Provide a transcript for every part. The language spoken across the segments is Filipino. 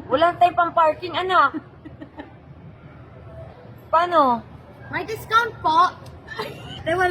Wala tayong pang parking, anak. Paano? May discount po. Wala.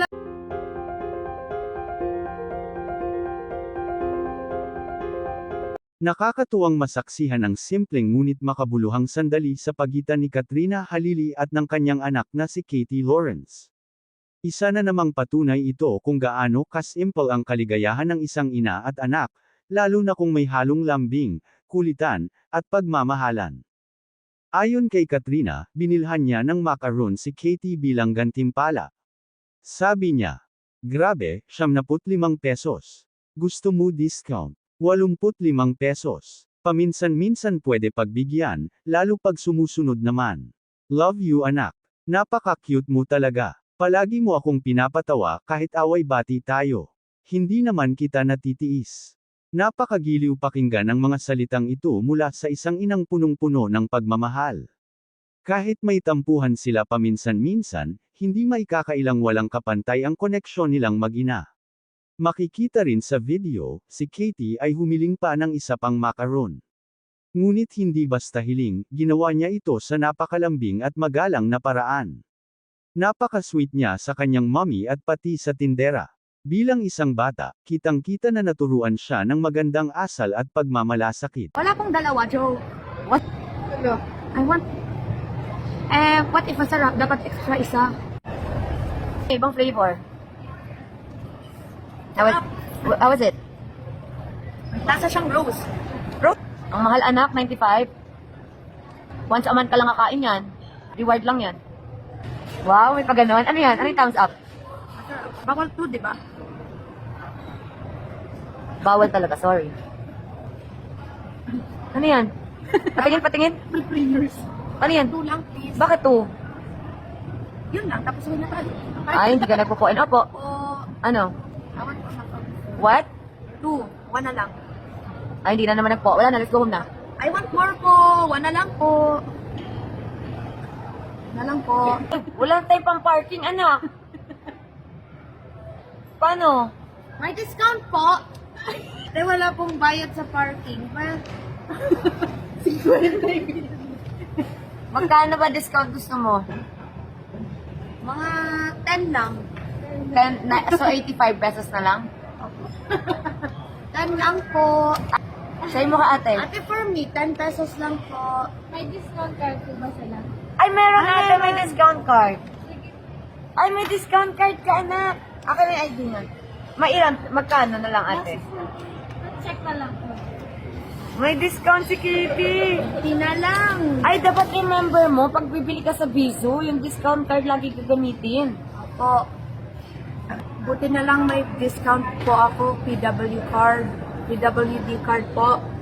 Nakakatuwang masaksihan ang simpleng ngunit makabuluhang sandali sa pagitan ni Katrina Halili at ng kanyang anak na si Katie Lawrence. Isa na namang patunay ito kung gaano kasimple ang kaligayahan ng isang ina at anak, lalo na kung may halong lambing, kulitan, at pagmamahalan. Ayon kay Katrina, binilhan niya ng macaron si Katie bilang gantimpala. Sabi niya, "Grabe, 75 pesos. Gusto mo discount? 85 pesos. Paminsan-minsan pwede pagbigyan, lalo pag sumusunod naman. Love you anak. Napaka-cute mo talaga. Palagi mo akong pinapatawa kahit away-bati tayo. Hindi naman kita natitiis." Napakagiliw pakinggan ang mga salitang ito mula sa isang inang punong-puno ng pagmamahal. Kahit may tampuhan sila paminsan-minsan, hindi maikakailang walang kapantay ang koneksyon nilang mag-ina. Makikita rin sa video, si Katie ay humiling pa ng isa pang macaron. Ngunit hindi basta hiling, ginawa niya ito sa napakalambing at magalang na paraan. Napaka-sweet niya sa kanyang mommy at pati sa tindera. Bilang isang bata, kitang-kita na naturuan siya ng magandang asal at pagmamalasakit. Wala pong dalawa, Joe. What? I want... what if masarap? Dapat extra isa. Ibang flavor. How was it? Lasa siyang rose. Ang mahal anak, 95. Once a month ka lang kakain yan. Reward lang yan. Wow, may pa ganon. Ano yan? Ano yung thumbs up? Bawal to, di ba? Bawal talaga, sorry. Ano yan? Patingin, patingin. Pre-prayers. Ano yan? 2 lang, please. Bakit to? Yun lang, tapos huwag na tayo. Ay, hindi ka nagpo-point. Opo. O, Ano? awan po na to. What? 2, 1 na lang. Ay, hindi na naman nagpo. Wala na, let's go home na. I want more po. 1 na lang po. Na lang po. Wala tayong pang parking, anak. Paano? May discount po. Wala pong bayad sa parking. Well, Magkano ba discount gusto mo? mga 10 lang. So, 85 pesos na lang? 10 lang po. Sa'yo mo ka, ate. Ate, for me, 10 pesos lang po. May discount card po ba sila? Ay, meron Ay, ate, may meron. discount card. Ay, may discount card ka, anak. Akin may ID na. Mailan, magkano na lang, ate? Check na lang po. May discount si Kitty. Hindi na lang. Ay, dapat remember mo, pag bibili ka sa Bizu, yung discount card lagi gagamitin. Po. Buti na lang may discount po ako, PWD card po.